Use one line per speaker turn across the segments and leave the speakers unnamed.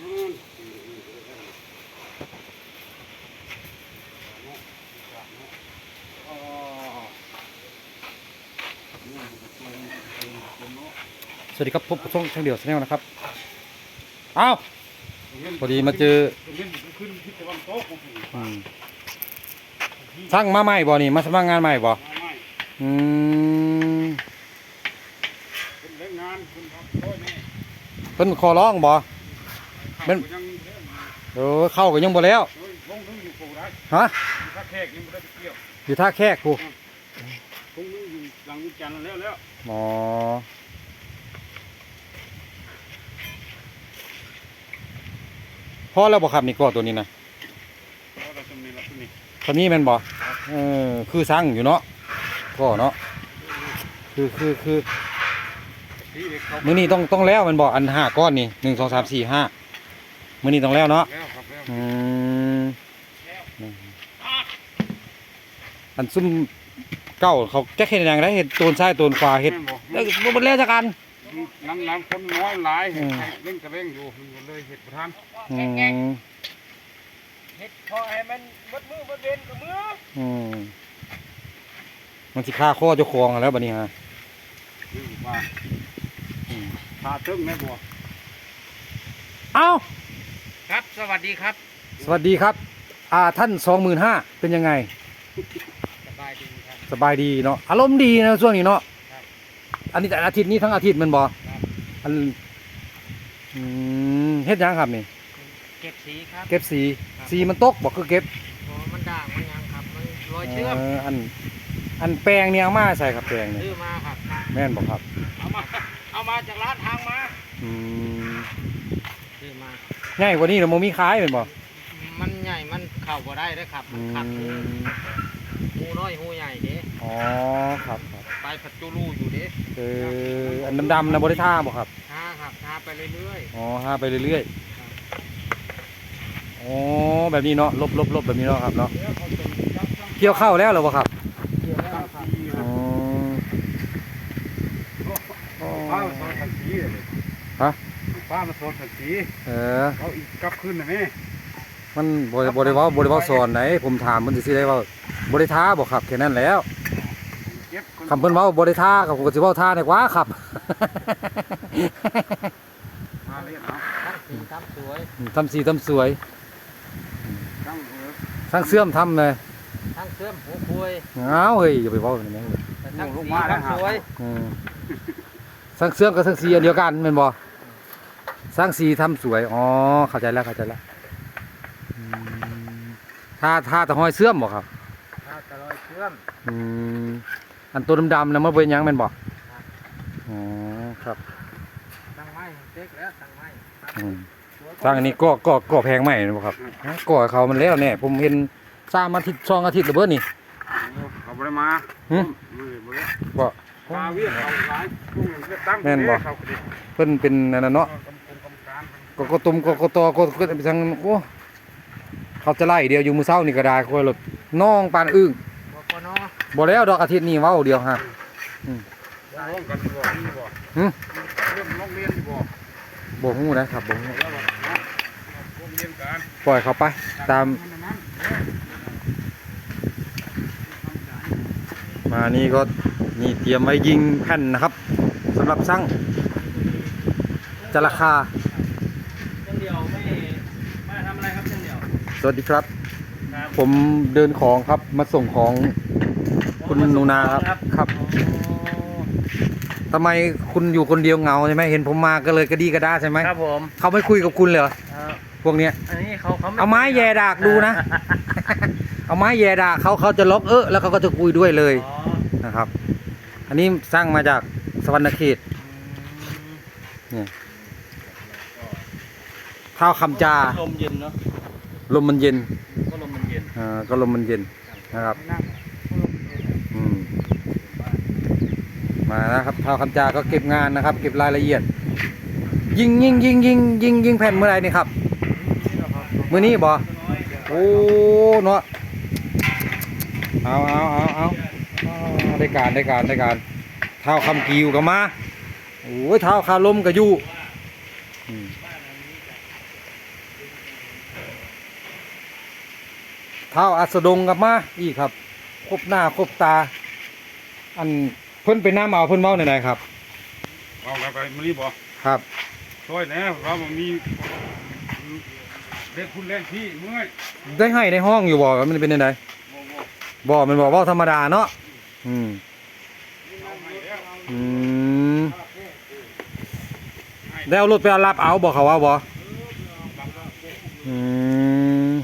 สวัสดีครับพบกับช่องเดี่ยวชาแนลนะครับอ้าวพอดีมาเจอช่างมาใหม่บ่นี่มาสมัครงานใหม่บ่เพิ่นขอร้องบ่เป็นเข้าก็ยังบ่แล้วฮะอยู่ท่าแขกกูอ๋อพอแล้วบ่ครับนี่ก็ตัวนี้นะตัวนี้มันบ่คือสั่งอยู่เนาะก็เนาะคือมื้อนี้ต้องแล้วมันบ่อัน5ก้อนนี่1 2 3 4 5มื้อนี้ต้องแล้วเนาะอันซุ่มเก้าเขาแก้เห็ดอย่างไรเห็ดโตนซ้ายโตนขวาเห็ดบ่แล้วจักอัน
น้ำคนน้อยหลายเร่งกระเร่งอยู่เลยเห็ดประทานเห็ดพอให้มันบดมือบดเวนกับมือ
มันสิฆ่าข้อเจ้าของแล้วบัดนี้ฮะ
พาตึ้งแม่บัว
เอ้า
ครับสวัสดีครับ
สวัสดีครับท่าน25,000เป็นยังไง
สบายดีครับ
สบายดีเนาะอารมณ์ดีนะช่วงนี้เนาะอันนี้แต่อาทิตย์นี้ทั้งอาทิตย์มันบ่อันเฮ็ดยังครับนี่
เก็บสีครับ
เก็บสีมันตกบอกคือเก็บ
มันด่างมันยังครับมันรอยเชื่อม
อันแปลงเนี่ยเอามาใส่ครับแปลงเนี่ย
ซื้อมาครับ
แม่นบอกครับ
เอามาจากร้านทางมาซื้อมา
ง่ายกว่านี้เราโมมีขายเป็นบ่
มันใหญ่มันเข่าบ่ได้ด้วยครับมันขัดหูน้อยหูใหญ่เด้
อ๋อครับ
ไปผัดจูรูอยู่เด้
อันดำๆนะบริท่าบ่ครับ
ท่าครับท่าไปเรื่อย
ๆอ๋อท่าไปเรื่อยๆอ๋อแบบนี้เนาะลบแบบนี้เนาะครับเนาะเกี่ยวเข้าแล้วหรือเปล่าครับ
เกี่ยวแล้วครับป้ามาสอนขันสีเลย
ฮะ
ป้ามาสอนขันสีเขาอีกกลับขึ้นนะแม่
มันบริวารสอนไหนผมถามมันจะซื้อได้ว่าบริท่าบอกครับแค่นั้นแล้วคำเพิ่นว่าบริท่ากับผมก็สิว่าท่าในกว่าครับ
มาเล่นเนาะทำสีทำสวย
ทำสวยสร้างเสื่อมทำเลย
สร้างเสื่อมหัวคุย
เฮ้ยอย่าไปว่าอย่างนี้
สร้างสีทำสวย
สร้างเสื่อมกับสร้างสีอันเดียวกันเป็นบ่สร้างสีทำสวยอ๋อเข้าใจแล้วถ้าตะหอยเสื่อมบ่ครับ
ถ้าตะหอยเสื่อม
อันตัวดำๆนะมันเป็นยังเป็นบ่อ๋อครับ
ตั้งไม้เต็กแล้วตั้งไม้
สร้างอันนี้ก็แพงไหมนะครับก่อเขามันแล้วเนี่ยผมเห็นสร้างอาทิตย์2 อาทิตย์ระเบิดนี่
เขาไม่ได้มา
บ่
มาเวียนเขาหลาย
แม่นบ่เพิ่นเป็นนั่นเนาะก็ตุ่มก็ตอก็ไปทางโอ้เขาจะไล่เดียวอยู่มือเช้านี่ก็ได้คอยหลดน้องปานอึ้งบ่แล้วดอกอาทิตย์นี้เว้าเดียวฮะบ่ฮู้นะครับบ่ฮู้ปล่อยเขาไปตามมานี่ก็นี่เตรียมไว้ยิงแผ่นนะครับสำหรับช่างจะราคาสวัสดีครับผมเดินของครับมาส่งของคุณนูนาครับทำไมคุณอยู่คนเดียวเหงาใช่ไหมเห็นผมมาก็เลยกระดีกระด้าใช่ไหม
ครับผม
เขาไม่คุยกับคุณเลยพวกเนี้ยเอาไม้แย่ดากดูนะเอาไม้แย่ดากเขาจะล็อกแล้วเขาก็จะคุยด้วยเลยนะครับอันนี้สร้างมาจากสวรรณเขตเนี่ยข้าวคำจา
ลมเย็นเนาะ
ลมมันเย็น
ก็ลมมันเย็น
ก็ลมมันเย็นนะครับมานะครับข้าวคำจาก็เก็บงานนะครับเก็บรายละเอียดยิงแผ่นเมื่อไรนี่ครับมื้อนี้บ่โอ้เนาะเอาได้การเท้าคำกิวกับมาโอ้ยเท้าคาลมกับยูเท้าอัสดงกลับมาอีกครับครบหน้าครบตา อันเพิ่นไปน้ำเอาเพิ่นเมาในไหนครับ
เอาไปมันนี่บ่
ครับ
ช่วยแหน่เราบ่มีเล่นคุณเล่นพี่เมื่อย
ได้ให้ในห้องอยู่บ่มันเป็นยังไง
บ่บ่
บ่มันบอกว่าธรรมดาเนาะอืม
เอาให้แล้ว
อืมได้เอารถไปเอารับเอาบอกเขาว่าบ่อืม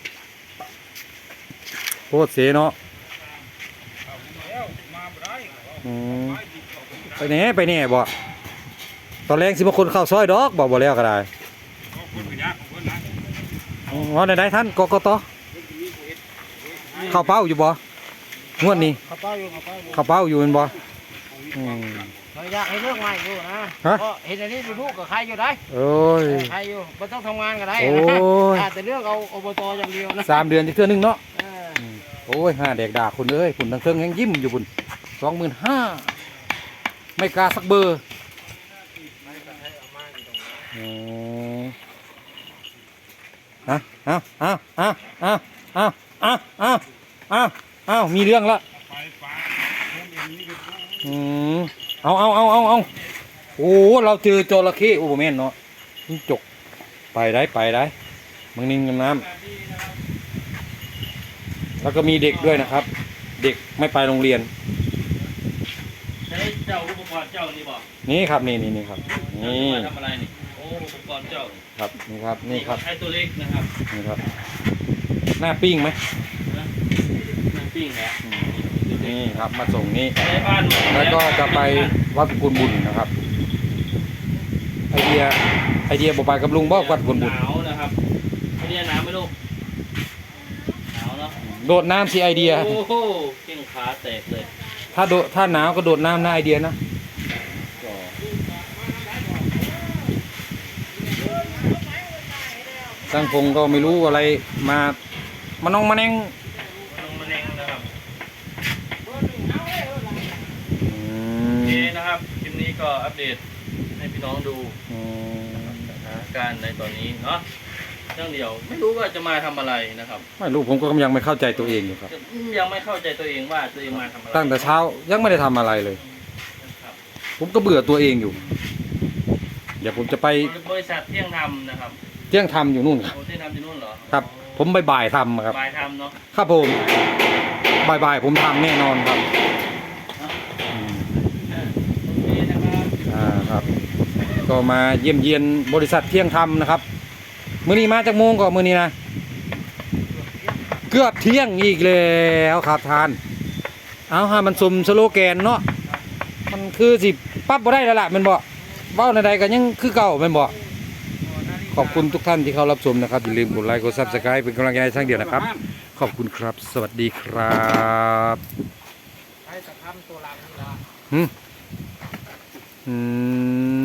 โคตรเสียเนาะ
เอาแล้วมาบ่ได้
อืม
ไปดิเขาไป
ไปแน่บ่ตอนแรกสิบคนเข้าซอยดอกบอกบ่แล้วก็ได้
เอาคนไปยากของเพิ่นนะ
อ๋อไหนๆท่านกกตเข้าเป้าอยู่บ่งวดนี้
เขาเป้าอยู่เขาเป้าอยู่
เข้าเป้าอยู่แม่นบ่อืม
เขาอยากให้เรื่องใหม่อยู่นะ
ฮะ
เพราะเห็นอันนี้ลูกกับใครอยู่ได้
โอ้ย
ใครอยู่ไม่ต้องทำงานก็ได้
โอ้ย
อาจจะเลือกเอาอบตอย่างเดียวนะ
3 เดือนจะเทื่อนึงเนาะ
เออ
โอ้ยห้าแดกด่าคุณเอ้ยคุณทั้งเครื่องยังยิ้มอยู่คุณ25,000ไม่กล้าสักเบอร์อ๋อเอามีเรื่องละ
ไปฝากคนอย่างนี้ก็
อืมเอาโอ้เราเจอจระเข้โอ้โหแม่นเนาะจิ้งจกไปได้มึงนิ่งกับน้ำแล้วก็มีเด็กด้วยนะครับ เด็กไม่ไปโรงเรียน
ใช้เจ้าอุปกรณ์เจ้านี่บอก
นี่ครับนี่ครับ นี่
มาทำอะไรนี่ โอ้อุปกรณ์เจ้านี่
ครับนี่ครับ
ใช้ตัวเล็กนะครับ
นี่ครับ หน้าปิ้งไหม
มันปิ้งแหละ
อืมนี่ครับมาส่งนี่
ในบ้าน
แล้วก็จะไปวัดกุลบุญนะครับ ไอเดียบอกไปกับลุงบอกวัดกุลบุญ
หนาวนะครับไอเดียหนาวไหมลูกหนาวเนาะ
โดดน้ำสิไอเดีย
โอ้โหเก่งขาแตกเลย
ถ้าหนาวก็โดดน้ำนะไอเดียนะช่างพงก็ไม่รู้อะไรมาน้องมาแนง
ลงมาแนงนะครับ
อื
โอเค
ม
นะครับคลิปนี้ก็อัปเดตให้พี่น้องดู
อืม
สถานการณ์ในตอนนี้เนาะเรื่องเดียวไม่รู้ว่าจะมาทำอะไรนะครับ
ไม่รู้ผมก็ยังไม่เข้าใจตัวเองอยู่ครับ
ยังไม่เข้าใจตัวเองว่าตัวเองมาทำอะไร
ตั้งแต่เช้ายังไม่ได้ทำอะไรเลย
ครับ
ผมก็เบื่อตัวเองอยู่ เดี๋ยวผมจะไป
บริษัทเที่ยงธรรมนะครับ
เที่ยงทำอยู่นู่นครับ
โอ้เที่ยงธรรมที่นู่นเหรอ
ครับ ผมบ่ายๆทำครับ
บายทำเนาะ
ครับผมบ่ายๆผมทำแน่นอนครับอืม
โอเคนะครับ
ครับ ก็มาเยี่ยมเยียนบริษัทเที่ยงธรรมนะครับมื้อนี้มาจากโมงก่อนมื้อนี้นะเกือบเที่ยงอีกแล้วครับทาน เอาฮะมันสมสโลแกนเนาะมันคือสิปั๊บบ่ได้แล้วล่ะแมันบ่เว้าใดๆก็ยังคือเก่าแม่นบ่ขอบคุณทุกท่านที่เข้ารับชมนะครับอย่าลืมกดไลค์กด Subscribe เป็นกำลังใจให้ช่างเดียวนะครับ ขอบคุณครับ สวัสดีครับ
ใช้สะพานตัวหลังนี่ละ
อืม